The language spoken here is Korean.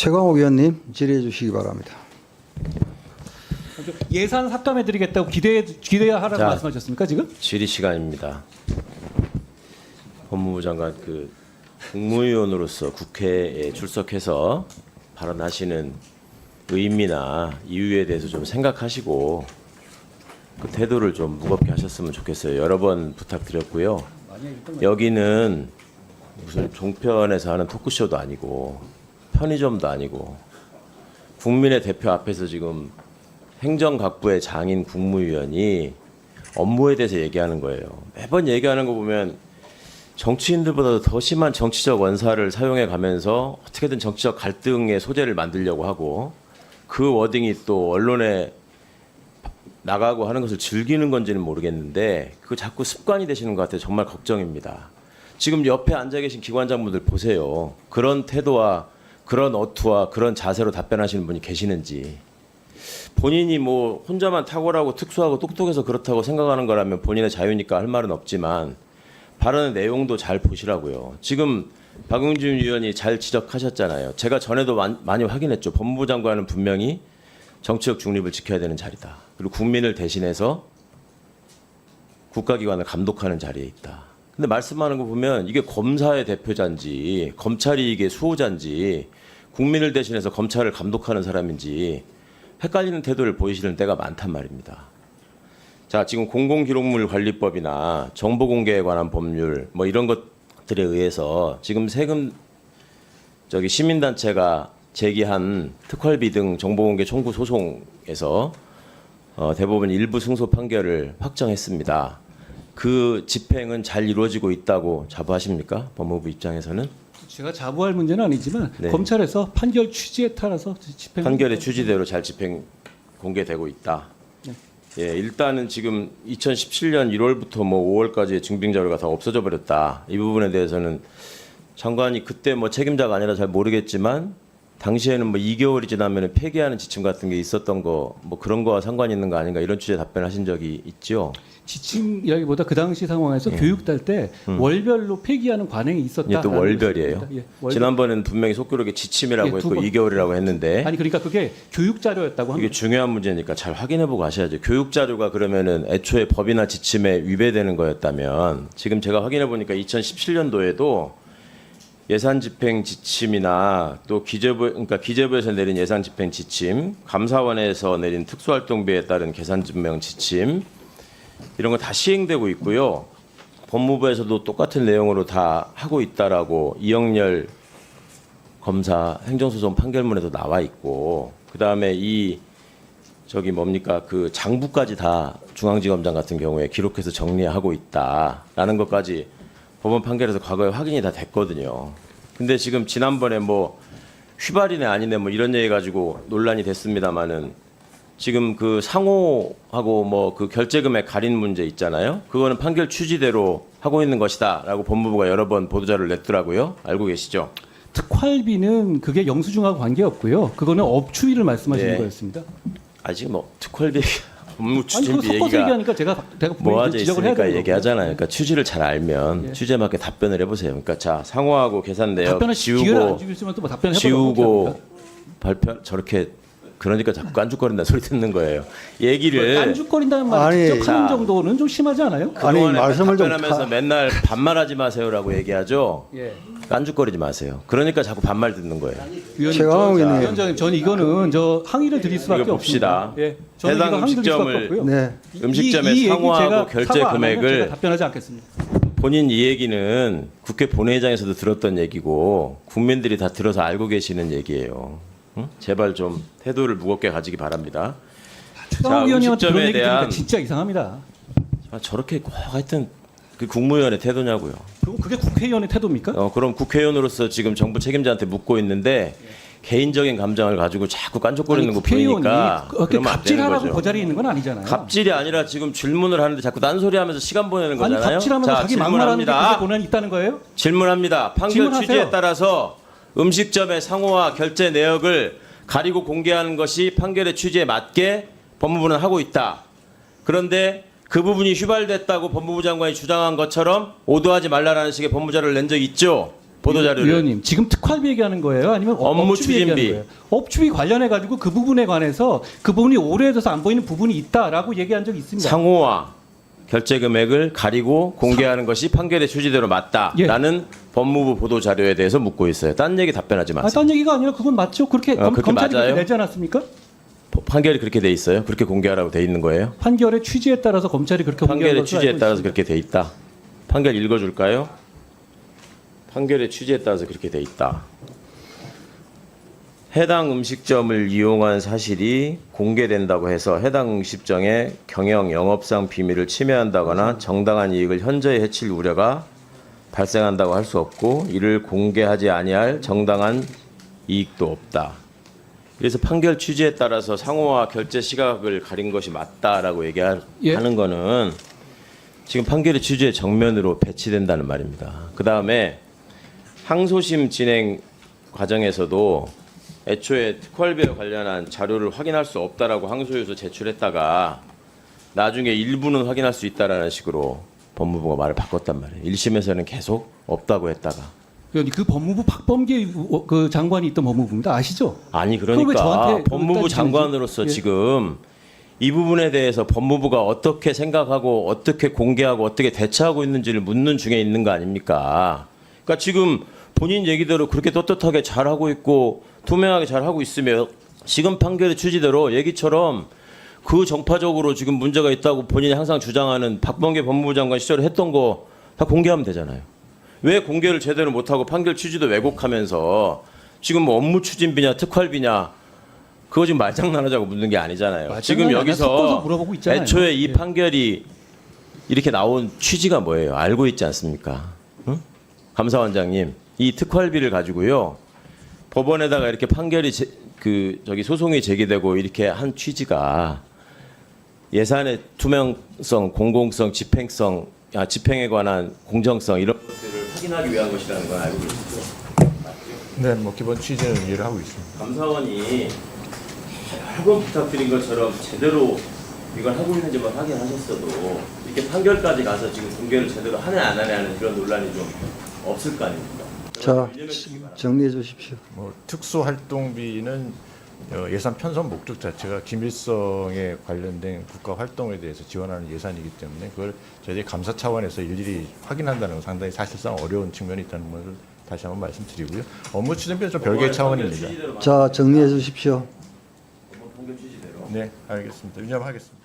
최광욱 의원님 질의해 주시기 바랍니다. 예산 삭감해드리겠다고 기대하라고 자, 말씀하셨습니까 지금? 질의 시간입니다. 법무부 장관 국무위원으로서 국회에 출석해서 발언하시는 의미나 이유에 대해서 좀 생각하시고 그 태도를 좀 무겁게 하셨으면 좋겠어요. 여러 번 부탁드렸고요. 여기는 무슨 종편에서 하는 토크쇼도 아니고 편의점도 아니고 국민의 대표 앞에서 지금 행정각부의 장인 국무위원이 업무에 대해서 얘기하는 거예요. 매번 얘기하는 거 보면 정치인들보다도 더 심한 정치적 원사를 사용해 가면서 어떻게든 정치적 갈등의 소재를 만들려고 하고 그 워딩이 또 언론에 나가고 하는 것을 즐기는 건지는 모르겠는데 그거 자꾸 습관이 되시는 것 같아요. 정말 걱정입니다. 지금 옆에 앉아 계신 기관장분들 보세요. 그런 태도와 그런 어투와 그런 자세로 답변하시는 분이 계시는지. 본인이 뭐 혼자만 탁월하고 특수하고 똑똑해서 그렇다고 생각하는 거라면 본인의 자유니까 할 말은 없지만 발언의 내용도 잘 보시라고요. 지금 박용진 의원이 잘 지적하셨잖아요. 제가 전에도 많이 확인했죠. 법무부 장관은 분명히 정치적 중립을 지켜야 되는 자리다. 그리고 국민을 대신해서 국가기관을 감독하는 자리에 있다. 근데 말씀하는 거 보면 이게 검사의 대표자인지 검찰이 이게 수호자인지 국민을 대신해서 검찰을 감독하는 사람인지 헷갈리는 태도를 보이시는 때가 많단 말입니다. 자, 지금 공공기록물 관리법이나 정보공개에 관한 법률 뭐 이런 것들에 의해서 지금 세금 시민단체가 제기한 특활비 등 정보공개 청구 소송에서 대법원 일부 승소 판결을 확정했습니다. 그 집행은 잘 이루어지고 있다고 자부하십니까? 법무부 입장에서는? 제가 자부할 문제는 아니지만 네. 검찰에서 판결 취지에 따라서 집행 판결의 취지대로 잘 집행 공개되고 있다. 네. 예, 일단은 지금 2017년 1월부터 뭐 5월까지의 증빙 자료가 다 없어져 버렸다. 이 부분에 대해서는 장관이 그때 뭐 책임자가 아니라 잘 모르겠지만 당시에는 뭐 2개월이 지나면 폐기하는 지침 같은 게 있었던 거 뭐 그런 거와 상관이 있는 거 아닌가 이런 취지의 답변하신 적이 있죠. 지침이라기보다 그 당시 상황에서 교육 딸 때 월별로 폐기하는 관행이 있었다. 이게 또 월별이에요. 예, 월별. 지난번에는 분명히 속기록에 지침이라고 예, 했고 두 번. 2개월이라고 했는데 아니 그러니까 그게 교육 자료였다고 이게 합니다. 중요한 문제니까 잘 확인해보고 하셔야죠. 교육 자료가 그러면은 애초에 법이나 지침에 위배되는 거였다면 지금 제가 확인해보니까 2017년도에도 예산 집행 지침이나 또 기재부에서 내린 예산 집행 지침, 감사원에서 내린 특수활동비에 따른 계산 증명 지침 이런 거 다 시행되고 있고요. 법무부에서도 똑같은 내용으로 다 하고 있다라고 이영렬 검사 행정소송 판결문에도 나와 있고 그다음에 그 장부까지 다 중앙지검장 같은 경우에 기록해서 정리하고 있다라는 것까지 법원 판결에서 과거에 확인이 다 됐거든요. 근데 지금 지난번에 뭐 휘발이네 아니네 뭐 이런 얘기 가지고 논란이 됐습니다마는 지금 그 상호하고 뭐 그 결제금액 가린 문제 있잖아요. 그거는 판결 취지대로 하고 있는 것이다라고 법무부가 여러 번 보도자료를 냈더라고요. 알고 계시죠? 특활비는 그게 영수증하고 관계없고요. 그거는 업추위를 말씀하시는 네. 거였습니다. 아직 뭐 특활비 업무 아니 추진비 그거 섞어서 얘기가 얘기하니까 제가 분명히 모아져 지적을 해야 있으니까 되는 얘기하잖아요. 그러니까 취지를 잘 알면 예. 취지에 맞게 답변을 해보세요. 그러니까 자 상호하고 계산 내역 답변을 기회를 안 지우고 주시면 또뭐 답변을 지우고 발표 저렇게 그러니까 자꾸 깐죽거린다는 소리 듣는 거예요. 얘기를 깐죽거린다는 말 아니, 직접 하는 자. 정도는 좀 심하지 않아요? 아니, 그동안에 말씀을 좀 답변하면서 맨날 반말하지 마세요라고 얘기하죠. 예. 깐죽거리지 마세요. 그러니까 자꾸 반말 듣는 거예요. 최강욱 의원님. 위원장님, 전 이거는 저 항의를 드릴 수밖에 이거 봅시다. 없습니다. 예, 저는 해당 이거 항의 드릴 수밖에 음식점을 없고요. 네. 음식점의 이 얘기 상호하고 제가 결제 사과 안 하면 금액을 제가 답변하지 않겠습니다. 본인 이 얘기는 국회 본회의장에서도 들었던 얘기고 국민들이 다 들어서 알고 계시는 얘기예요. 응? 제발 좀 태도를 무겁게 가지기 바랍니다. 최강욱 의원님한테 그런 음식점에 얘기 들으니까 대한 진짜 이상합니다. 저렇게 꼭 하여튼 그 국무위원의 태도냐고요. 그럼 그게 국회의원의 태도입니까? 그럼 국회의원으로서 지금 정부 책임자한테 묻고 있는데 개인적인 감정을 가지고 자꾸 깐족거리는 거 보이니까 그렇게 그러면 안 되는 갑질하라고 거죠. 그 자리에 있는 건 아니잖아요. 갑질이 아니라 지금 질문을 하는데 자꾸 딴소리하면서 시간 보내는 아니 거잖아요. 갑질하면서 자기 막말하는 게 그게 질문합니다. 고난이 있다는 거예요? 질문합니다. 판결 질문하세요. 취지에 따라서 음식점의 상호와 결제 내역을 가리고 공개하는 것이 판결의 취지에 맞게 법무부는 하고 있다. 그런데 그 부분이 휘발됐다고 법무부 장관이 주장한 것처럼 오도하지 말라라는 식의 법무자료를 낸 적 있죠. 보도 자료를. 의원님 지금 특활비 얘기하는 거예요? 아니면 업무 업추비 얘기하는 추진비. 거예요? 업추비 관련해 가지고 그 부분에 관해서 그 부분이 오래돼서 안 보이는 부분이 있다라고 얘기한 적이 있습니다. 상호와 결제 금액을 가리고 공개하는 것이 판결의 취지대로 맞다라는 법무부 보도 자료에 대해서 묻고 있어요. 딴 얘기 답변하지 마세요. 딴 얘기가 아니라 그건 맞죠? 그렇게, 그렇게 검찰이 맞아요? 그렇게 내지 않았습니까? 판결이 그렇게 돼 있어요? 그렇게 공개하라고 돼 있는 거예요? 판결의 취지에 따라서 검찰이 그렇게 공개한 판결의 것으로 취지에 알고 따라서 있습니다. 그렇게 돼 있다. 판결 읽어줄까요? 판결의 취지에 따라서 그렇게 돼 있다. 해당 음식점을 이용한 사실이 공개된다고 해서 해당 음식점의 경영 영업상 비밀을 침해한다거나 정당한 이익을 현저히 해칠 우려가 발생한다고 할 수 없고 이를 공개하지 아니할 정당한 이익도 없다. 그래서 판결 취지에 따라서 상호와 결제 시각을 가린 것이 맞다라고 얘기하는 예. 거는 지금 판결의 취지의 정면으로 배치된다는 말입니다. 그 다음에 항소심 진행 과정에서도 애초에 특활비와 관련한 자료를 확인할 수 없다라고 항소유서 제출했다가 나중에 일부는 확인할 수 있다라는 식으로 법무부가 말을 바꿨단 말이에요. 1심에서는 계속 없다고 했다가. 의원님, 그 법무부 박범계 그 장관이 있던 법무부입니다. 아시죠? 아니 그걸 왜 그러니까 저한테 법무부 따지시는지. 장관으로서 예. 지금 이 부분에 대해서 법무부가 어떻게 생각하고 어떻게 공개하고 어떻게 대처하고 있는지를 묻는 중에 있는 거 아닙니까? 그러니까 지금 본인 얘기대로 그렇게 떳떳하게 잘하고 있고 투명하게 잘하고 있으면 지금 판결의 취지대로 얘기처럼 그 정파적으로 지금 문제가 있다고 본인이 항상 주장하는 박범계 법무부 장관 시절에 했던 거 다 공개하면 되잖아요. 왜 공개를 제대로 못하고 판결 취지도 왜곡하면서 지금 뭐 업무 추진비냐 특활비냐 그거 지금 말장난하자고 묻는 게 아니잖아요. 지금 말장난이 아니라 섞어서 여기서 물어보고 있잖아요. 애초에 이 예. 판결이 이렇게 나온 취지가 뭐예요? 알고 있지 않습니까? 응? 감사원장님, 이 특활비를 가지고요 법원에다가 이렇게 판결이 소송이 제기되고 이렇게 한 취지가 예산의 투명성, 공공성, 집행에 관한 공정성 이런 것들을 확인하기 위한 것이라는 건 알고 계시죠? 네, 뭐 기본 취지는 이해를 하고 있습니다. 감사원이 여러 번 부탁드린 것처럼 제대로 이걸 하고 있는지만 확인하셨어도 이렇게 판결까지 가서 지금 공개를 제대로 하네 안 하네 하는 그런 논란이 좀 없을 거 아닙니까? 자, 정리해 주십시오. 뭐 특수활동비는 예산 편성 목적 자체가 김일성에 관련된 국가 활동에 대해서 지원하는 예산이기 때문에 그걸 저희들이 감사 차원에서 일일이 확인한다는 건 상당히 사실상 어려운 측면이 있다는 것을 다시 한번 말씀드리고요. 업무 추진비는 좀 별개의 차원입니다. 자, 정리해 주십시오. 판결 취지대로. 네, 알겠습니다. 유념하겠습니다.